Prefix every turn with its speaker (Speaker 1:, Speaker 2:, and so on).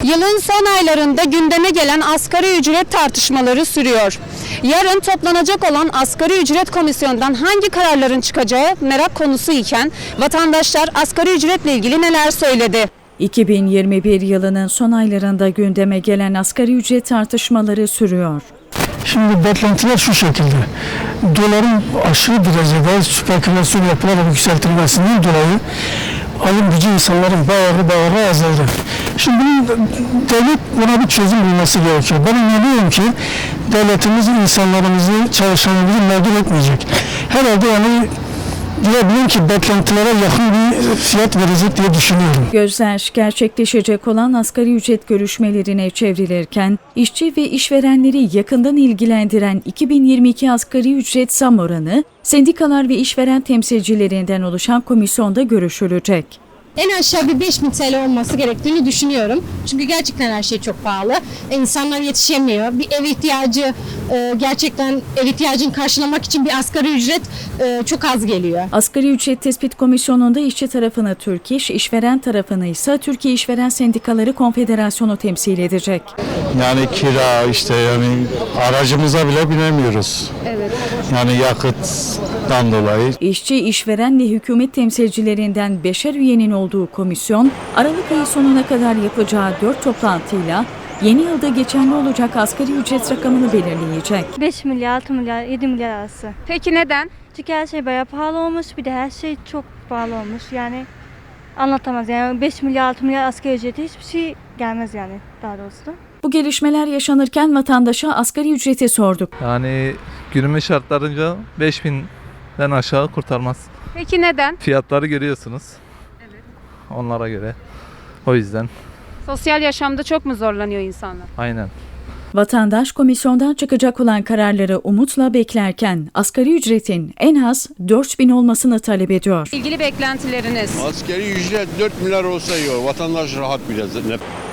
Speaker 1: Yılın son aylarında gündeme gelen asgari ücret tartışmaları sürüyor. Yarın toplanacak olan asgari ücret komisyonundan hangi kararların çıkacağı merak konusu iken vatandaşlar asgari ücretle ilgili neler söyledi?
Speaker 2: 2021 yılının son aylarında gündeme gelen asgari ücret tartışmaları sürüyor.
Speaker 3: Şimdi beklentiler şu şekilde. Doların aşırı derecede spekülasyon yapılarak yükseltilmesinden dolayı alım gücü insanların bağırı azaldı. Şimdi devlet buna bir çözüm bulması gerekiyor. Ben inanıyorum ki devletimiz insanlarımızı, çalışanlarımızı mağdur etmeyecek. Herhalde diyebilirim ki beklentilere yakın bir fiyat verecek diye düşünüyorum.
Speaker 2: Gözler gerçekleşecek olan asgari ücret görüşmelerine çevrilirken, işçi ve işverenleri yakından ilgilendiren 2022 asgari ücret zam oranı, sendikalar ve işveren temsilcilerinden oluşan komisyonda görüşülecek.
Speaker 4: En aşağı bir 5.000 TL olması gerektiğini düşünüyorum. Çünkü gerçekten her şey çok pahalı. İnsanlar yetişemiyor. Bir ev ihtiyacı, gerçekten ev ihtiyacını karşılamak için bir asgari ücret çok az geliyor.
Speaker 2: Asgari ücret tespit komisyonunda işçi tarafını Türk İş, işveren tarafını ise Türkiye İşveren Sendikaları Konfederasyonu temsil edecek.
Speaker 5: Yani kira yani aracımıza bile binemiyoruz.
Speaker 4: Evet.
Speaker 5: Yani yakıttan dolayı.
Speaker 2: İşçi, işveren ve hükümet temsilcilerinden 5'er üyenin olduğu komisyon, Aralık ayı sonuna kadar yapacağı 4 toplantıyla yeni yılda geçerli olacak asgari ücret rakamını belirleyecek.
Speaker 6: 5 milyar, 6 milyar, 7 milyar arası.
Speaker 1: Peki neden?
Speaker 6: Çünkü her şey bayağı pahalı olmuş, bir de her şey çok pahalı olmuş. Yani anlatamaz. Yani 5 milyar, 6 milyar asgari ücreti hiçbir şey gelmez yani daha doğrusu.
Speaker 2: Bu gelişmeler yaşanırken vatandaşa asgari ücreti sorduk.
Speaker 7: Yani günümüz şartlarınca 5000'den aşağı kurtarmaz.
Speaker 1: Peki neden?
Speaker 7: Fiyatları görüyorsunuz. Evet. Onlara göre. O yüzden.
Speaker 1: Sosyal yaşamda çok mu zorlanıyor insanlar?
Speaker 7: Aynen.
Speaker 2: Vatandaş komisyondan çıkacak olan kararları umutla beklerken asgari ücretin en az 4.000 olmasını talep ediyor.
Speaker 1: İlgili beklentileriniz?
Speaker 8: Asgari ücret 4 milyar olsa iyi olur. Vatandaş rahat biraz.